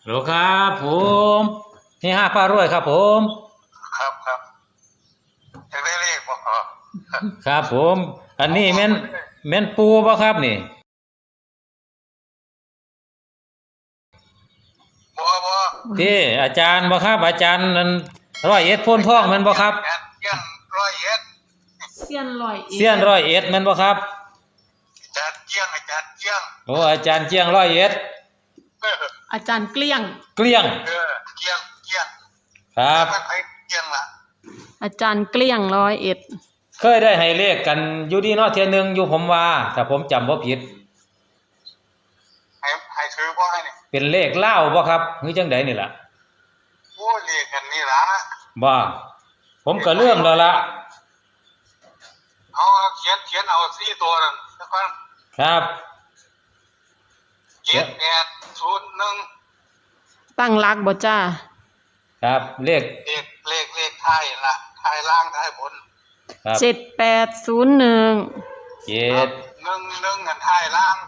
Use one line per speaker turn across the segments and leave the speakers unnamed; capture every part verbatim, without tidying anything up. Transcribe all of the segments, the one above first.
ฮัลโหลครับผมนี่ห้าป้ารวยครับผม
ครับครับยังได้เลขบ่
ครับผมอันนี้แม่นแม่นปูบ่ครับนี่
บ่บ่
ที่อาจารย์บ่ครับอาจารย์นั่นร้อยเอ็ดโพนทองแม่นบ่ครับ
เสี้ยนร้อยเอ็ด
เซียนร้อยเอ็ด
เซียนร้อยเอ็ดแม่นบ่ครับ
อาจารย์เจียงอาจารย์เจียง
โอ้อาจารย์เจียงร้อยเอ็ด
อาจารย์เกลี้ยง
เกลี้ยง
เออเจียงเจียง
ครับ
มันไปเจียงล่ะ
อาจารย์เกลี้ยงร้อยเอ็ด
เคยได้ให้เลขกันอยู่ดีเนาะเที่ยนึงอยู่ผมว่าถ้าผมจำบ่ผิด
ให้ให้ถือบ่ให้นี่
เป็นเลขลาวบ่ครับหรือจังไดนี่ล่ะ
โอ้เลขกันนี่ล่ะ
บ่ผมก็เริ่มแล้วล่ะ
เอาเขียนเขียนเอาสี่ตัวนั่นแล้วก็
ครับ
เจ็ดแปดศูนย์หนึ่ง
ตั้งรักบ่จ้า
ครับเลข
เลขเลขเลขท้ายล่ะท้ายล่างท้ายบน
ครับ
เจ็ดแปดศูนย์หนึ่ง
เจ็ด
หนึ่งหนึ่งกันท้ายล่าง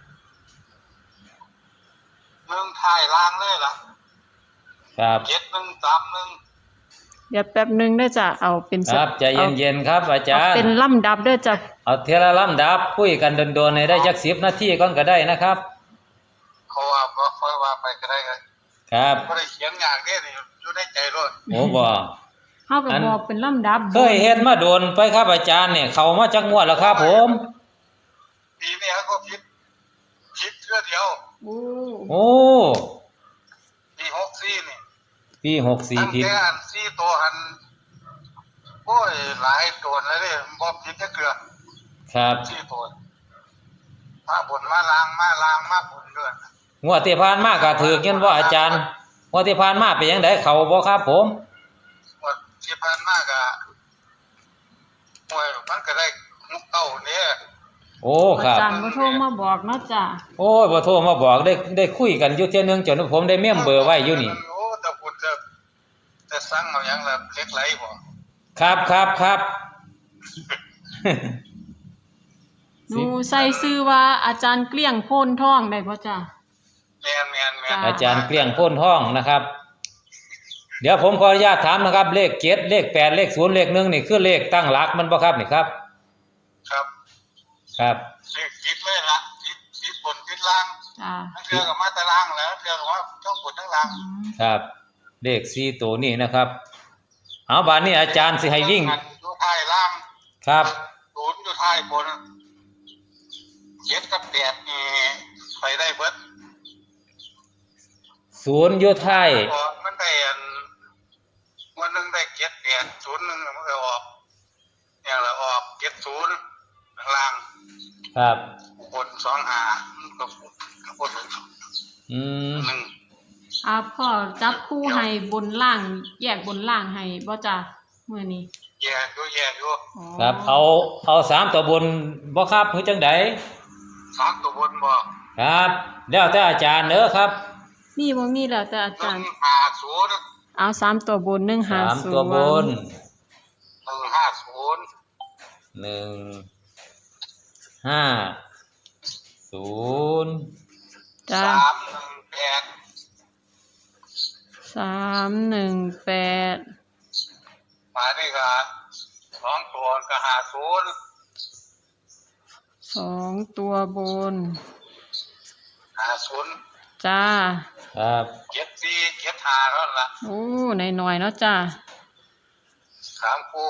หนึ่งท้ายล่างเลยล่ะ
ครับ
เจ็ดหนึ่งสามหนึ่ง
เดี๋ยวแป๊บนึงได้จ้ะเอาเป็น
ครับใจเย็นๆครับอาจารย์
เป็นลำดับด้วยจ้ะ
เอาเทละลำดับคุยกันโดนๆในได้จักสิบนาทีก่อนก็ได้นะครับ
เขาว่าบ่ค่อยว่าไปก็ได้ครับ
ครับ
บ่ได้เขียนอย่างนี้นี่อยู่ในใจรถ
โอ้บ่
เฮาก็บอกเป็นลำดับ
เคยเฮ็ดมาโดนไปครับอาจารย์เนี่ยเข้ามาจักงวดแล้วครับผม
ปีนี้ก็ผิดผิดเทื่อเดียว
โอ้
โอ้
ปีหกสี่นี่
ปีหกสี่ผิด
ตั้งแต่อันสี่ตัวอันโอ้ยหลายตัวแล้วเด้บ่ผิดจักเทื่อ
ครับ
สี่ตัวมาบนมาล้างมาล้างมาบนเด้อง
วดที่ผ่านมาก็ถูกยันบ่อาจารย์งวดที่ผ่านมาเป็นจังได๋เข้าบ่ครับผม
งวดที่ผ่านมาก็โอ้ยมันก็ได้หกเก้าเนี่ย
โอ้ครับ
อาจารย์บ่โทรมาบอกเนาะจ้ะ
โอ้ยบ่โทรมาบอกได้ได้คุยกันอยู่เที่ยนึงจนผมได้เมมเบอร์ไว้อยู่นี่
โอ้แต่พูดจะจะสั่งเอาหยังล่ะเล็กไหลบ่
ครับครับครับ
หนูใส่ชื่อว่าอาจารย์เกลี้ยงโพนทองได้บ่จ้ะ
แม่นแม่นแม่น
อาจารย์เกลี้ยงโพนทองนะครับเดี๋ยวผมขออนุญาตถามนะครับเลขเจ็ดเลขแปดเลขศูนย์เลขหนึ่งนี่คือเลขตั้งหลักมันบ่ครับนี่ครับ
ครับ
ครับ
เลขคิดเลยล่ะคิดคิดบนคิดล่าง
จ้า
ทั้งเทื่อก็มาแต่ล่างแล้วเทื่อก็ว่าทั้งบนทั้งล่าง
ครับเลขสี่ตัวนี้นะครับเอาบาดนี้อาจารย์สิให้วิ่ง
อยู่ท้ายล่าง
ครับ
ศูนย์อยู่ท้ายบนเจ็ดกับแปดนี่ไปได้เบิด
ศูนย์อยู่ท้าย
มันได้อันวันนึงได้เจ็ดแปดศูนย์นึงมันก็ออกอย่างละออกเจ็ดศูนย์ล่าง
ครับ
บนสองห้าก็ก็บน
อืม
หนึ่ง
อ่าพ่อจับคู่ให้บนล่างแยกบนล่างให้บ่จ้ะมื้อนี้
แยกอยู่แยกอยู่
ครับเอาเอาสามตัวบนบ่ครับคือจังได๋
สามตัวบนบ่
ครับแล้วแต่อาจารย์เด้อครับ
มีบ่มีแล้วแต่อาจารย์
หนึ่งห้าศูนย์
เอาสามตัวบนหนึ่งห้าศูนย์
สามตัวบน
หนึ่งห้าศูนย์
หนึ่งห้าศูนย์
จ้า
สามหนึ่งแปด
สามหนึ่งแปด
มานี่ก็สองตัวก็ห้าศูนย์
สองตัวบน
ห้าศูนย์
จ้า
ครับ
เจ็ดสี่เจ็ดห้าแล้วล่ะ
โอ้หน่อยๆเนาะจ้า
สามคู่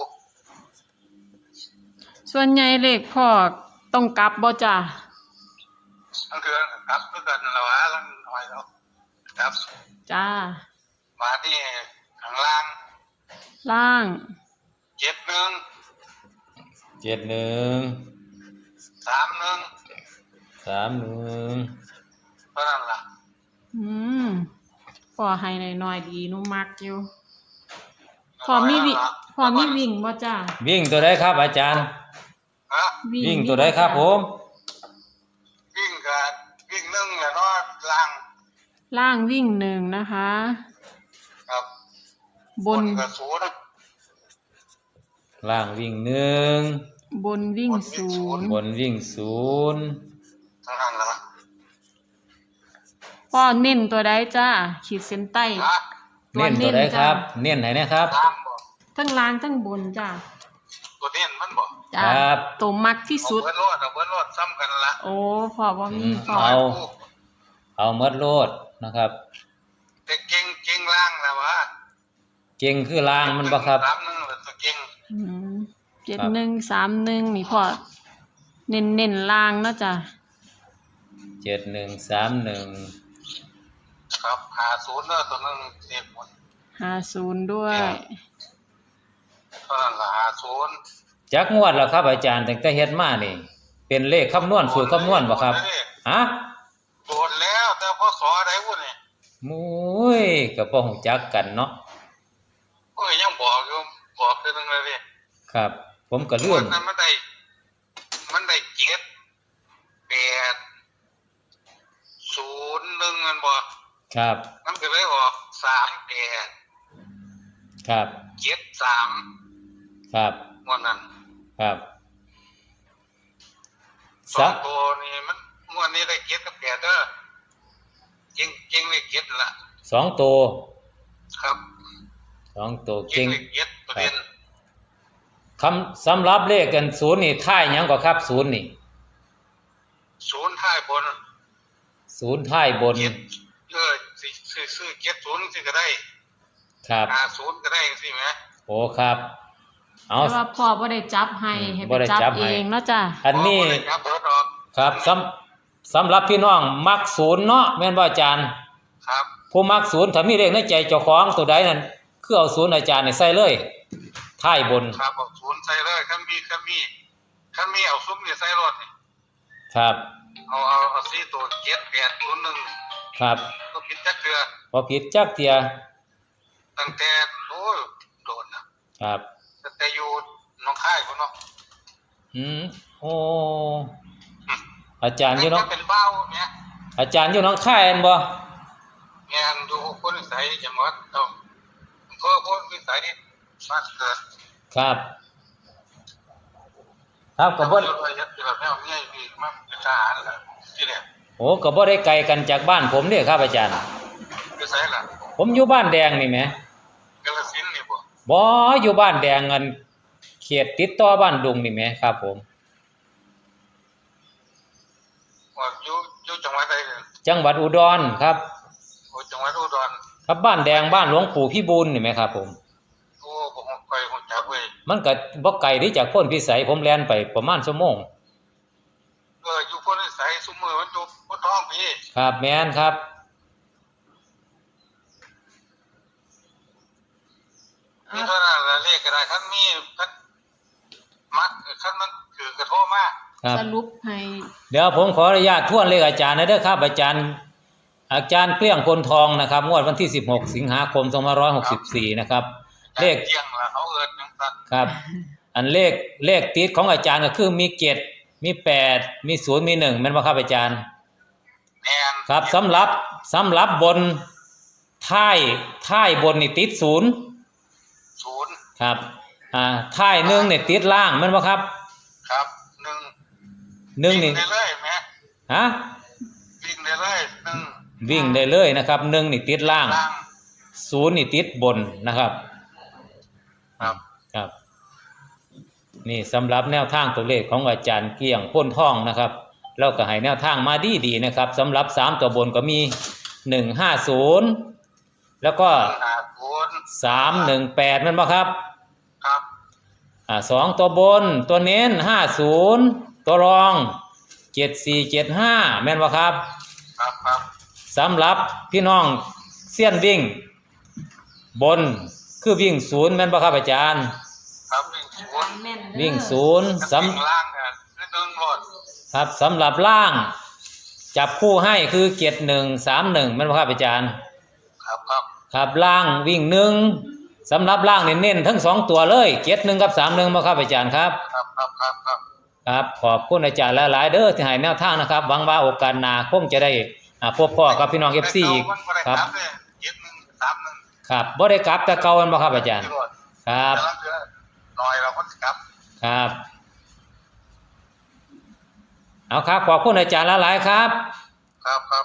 ส่วนใหญ่เลขพ่อต้องกลับบ่จ้า
ทั้งคือครับคือกันแล้วฮะแล้วหน่อยแล้วครับ
จ้า
มาที่ข้างล่าง
ล่าง
เจ็ดหนึ่ง
เจ็ดหนึ่ง
สามหนึ่ง
สามหนึ่ง
เท่านั้นล่ะ
อืมพอให้หน่อยๆดีหนูมักอยู่พอมีวิพอมีวิ่งบ่จ้า
วิ่งตัวใดครับอาจารย์
ฮะ
วิ่งตัวใดครับผม
วิ่งก็วิ่งหนึ่งแหละเนาะล่าง
ล่างวิ่งหนึ่งนะคะ
ครับ
บน
ก็ศูนย์
ล่างวิ่งหนึ่ง
บนวิ่งศูนย์
บนวิ่งศูนย์
เท่านั้นล่ะ
พอพ่อเน้นตัวใดจ้าขีดเส้นใต้
ฮะ
ตัว
เน้นตัวใด
เน้น
ค
จ้ะ
รับ เน้นไหนนะครับ
ล่างบ่
ทั้งล่างทั้งบนจ้า
ตัวเน้นมันบ่
จ้า
ครับ
ตัวมักที่
เอา
สุด
เบิดโลดเอาเบิดโลดซ้ำกันละ
โอ้พ่อบ่มี
อืม
พ่อ
เอา เอาเมดโลดนะครับ
แต่เก่งเก่งล่างแล้ววะ
เก่งคือล่างมันบ่ครับ
สามหนึ่งแล้วตัวเก่ง
อืมเจ็ดหนึ่งสามหนึ่งนี่พ่อเน้นเน้นล่างเนาะจ้ะ
เจ็ดหนึ่งสามหนึ่ง
ครับหาศูนย์เด้อตัวหนึงเด็กหมด
ห้าศูนย์ด้วย
เท่านั้นละหาศูนย์
จักงวดแล้วครับ อาจารย์ตั้งแต่เฮ็ดมานี่ เป็นเลขคำนวณสูตรคำนวณบ่ครับฮะ
โดนแล้วแต่พอสอได้วุ้นนี่
มุ้ยก็บ่ฮู้จักกันเนาะ
โอ้ยยังบอกอยู่บอกเทื่อนึงเลยดิ
ครับ ผมก็ลื
วั
ม
นนั้นมันได้มันได้เจ็ดแปดศูนย์หนึ่งมันบอก
ครับ
มันก็เลยออกสามแปด
ครับ
เจ็ดสาม
ครับ
วันนั้น
ครับ
สองตัวนี่มันงวดนี้ได้เจ็ดกับแปดเด้อเก่งเก่งเลยเจ็ดละ
สองตัว
ครับ
สองตัว
เก่
เก่
ง
ง
เลยเจ็ดประเด็น
คำสำหรับเลขกันศูนย์นี่ท้ายหยังก็ครับศูนย์นี่
ศูนย์ท้ายบน
ศูนย์ท้ายบน
เจ็ดเออสิซื้อซื้อเจ็ดศูนย์สิก็ได้
ครับ
ห้าศูนย์ก็ได้สิไหม
โอ้ครับ เอา
แต่ว่าพ่อบ่ได้จับให้ให้
บ่
ไป
ได้
จับ
จับ
เอ
ให้
งเนาะจ้ะ
อันนี้
บ่ได้ครับเบิดออก
ครับสำสำหรับพี่น้องมักศูนย์เนาะแม่นบ่อาจารย์
ครับ
ผู้มักศูนย์ถ้ามีเลขในใจเจ้าของตัวใดนั่นคือเอาศูนย์อาจารย์นี่ใส่เลยท้ายบน
ครับเอาศูนย์ใส่เลยคันมีคันมีคันมีเอาซุ้มนี่ใส่รถนี่
ครับ
เอาเอาเอาสี่ตัวเจ็ดแปดศูนย์หนึ่ง
ครับ
ก็ผิดจักเทือ
บ่ผิดจักเที่ย
ตั้งแต่โอ้ยโดนนะครับ ตั้งแต่อยู่หน้องค่ายพุ่นเนาะ
อืมโอ้อาจารย์อยู่เนาะ
ตั้งแต่เป็นเบ้าเนี่ย
อาจารย์อยู่หน้องค่ายแม่นบ่
งานอยู่คนวิสัยจังหวัดต้องอำเภอคนวิสัยนี่บ้านเกิด
ครับ ครับก็บ่
อยู่ระยะที่แบบแนวเนี้ยมีมาเป็นทหารล่ะที่เนี่ย
โอ้ก็บ่ได้ไกลกันจากบ้านผมเด้ครับอาจารย์
วิสัยล่ะ
ผมอยู่บ้านแดงนี่แหม
กาฬสินธุ์นี่บ่
บ่อยู่บ้านแดงอันเขตติดต่อบ้านดุงนี่แหมครับผม
ว่าอยู่อยู่จังหวัดใดเนี่ย
จังหวัดอุดรครับ
โอ้จังหวัดอุดร
ครับบ้านแดงบ้านหลวงปู่พี่บูลนี่แหมครับผม
โอ้บ่ฮู้ไปฮู้จักเว้ย
มันก็บ่ไกลที่จากพ้นพิสัยผมแล่นไปประมาณชั่วโมง
เอออยู่คนวิสัยซุมื้อมันอยู่บ่ท้องพี่
ครับแม่นครับ
นี่เท่านั้นละเลขก็ได้คันมีคันมักคันมันคือกระโทรมา
ครับ
สรุปให้
เดี๋ยวผมขออนุญาตทวนเลขอาจารย์นะเด้อครับอาจารย์ อาจารย์เกลี้ยงพลทองนะครับงวดวันที่สิบหกสิงหาคมสองพันห้าร้อยหกสิบสี่นะครับ เลข
เที่ยงละเขาเอิ้นจังซั่น
ครับ อันเลขเลขติดของอาจารย์ก็คือมีเจ็ดมีแปดมีศูนย์มีหนึ่งแม่นบ่ครับอาจารย์
แม่น
ครับสำหรับสำหรับบนท้ายท้ายบนนี่ติดศูนย์
ศูนย์
ครับอ่าท้ายหนึ่งเนี่ยติดล่างแม่นบ่ครับ
ครับหนึ่ง
หนึ่งนี่
วิ่ได้เลยแม่
ฮะ
วิ่งได้เลยหนึ่ง
วิ่งได้เลยนะครับหนึ่งนี่ติดล่าง
ล่าง
ศูนย์นี่ติดบนนะครับ
ครับ
ครับ นี่สำหรับแนวทางตัวเลขของอาจารย์เกลี้ยงพ้นท่องนะครับแล้วก็ให้แนวทางมาดีดีๆนะครับสำหรับสามตัวบนก็มีหนึ่งห้าศูนย์แล้วก็
หาศูนย์
สามหนึ่งแปดแม่นบ่ครับ
ครับ
อ่าสองตัวบนตัวเน้นห้าศูนย์ตัวรองเจ็ดสี่เจ็ดห้าแม่นบ่ครับ
ครับครับ
สำหรับพี่น้องเสี้ยนวิ่ง บนคือวิ่งศูนย์แม่นบ่ครับอาจารย์
ครับวิ่งศูนย์
แม่นเด้อ
วิ่งศูนย์
กับ
ส
วิ่งล่างเนี่ยคือหนึ่งรถ
ำครับสำหรับล่าง จับคู่ให้คือเจ็ดหนึ่งสามหนึ่งแม่นบ่ครับอาจารย์
ครับครับ
ครับล่างวิ่งหนึ่งสำหรับล่างเน้นๆทั้งสองตัวเลยเจ็ดหนึ่งกับสามหนึ่งบ่ครับอาจารย์ครับ
ครับครับครับครับ
ครับขอบคุณอาจารย์หลายๆเด้อที่ให้แนวทางนะครับหวังว่าโอกาสหน้าคงจะได้อ่าพบพ่อกับพี่น้อง เอฟ ซี อีก
มันบ่ได้
ครับ
เลยเจ็ดหนึ่งสามหนึ่ง
ครับบ่ได้กลับแต่เก่าแม่นบ่ครับอาจารย์
ที่รถ
ครับ
แต่ละเดือนหน่อยเราก็กลับ
ครับเอาครับขอบคุณอาจารย์หลายๆครับ
ครับครับ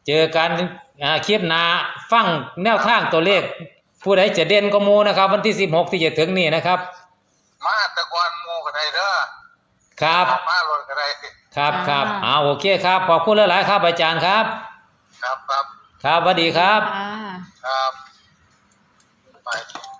เจอกันอ่าคลิปหน้าฟังแนวทางตัวเลข ผู้ใดจะเด่นก็หมู่นะครับ วันที่สิบหกที่จะถึงนี้นะครับ
มาแตะกอนหมู่ก็ได้เด้อ
ครับ
มาลดก็ได้
ครับครับเอาโอเคครับขอบคุณหลายๆครับอาจารย์ครับ
ครับครับ
ครับสวัสดีครับ
อ่า
ครับไป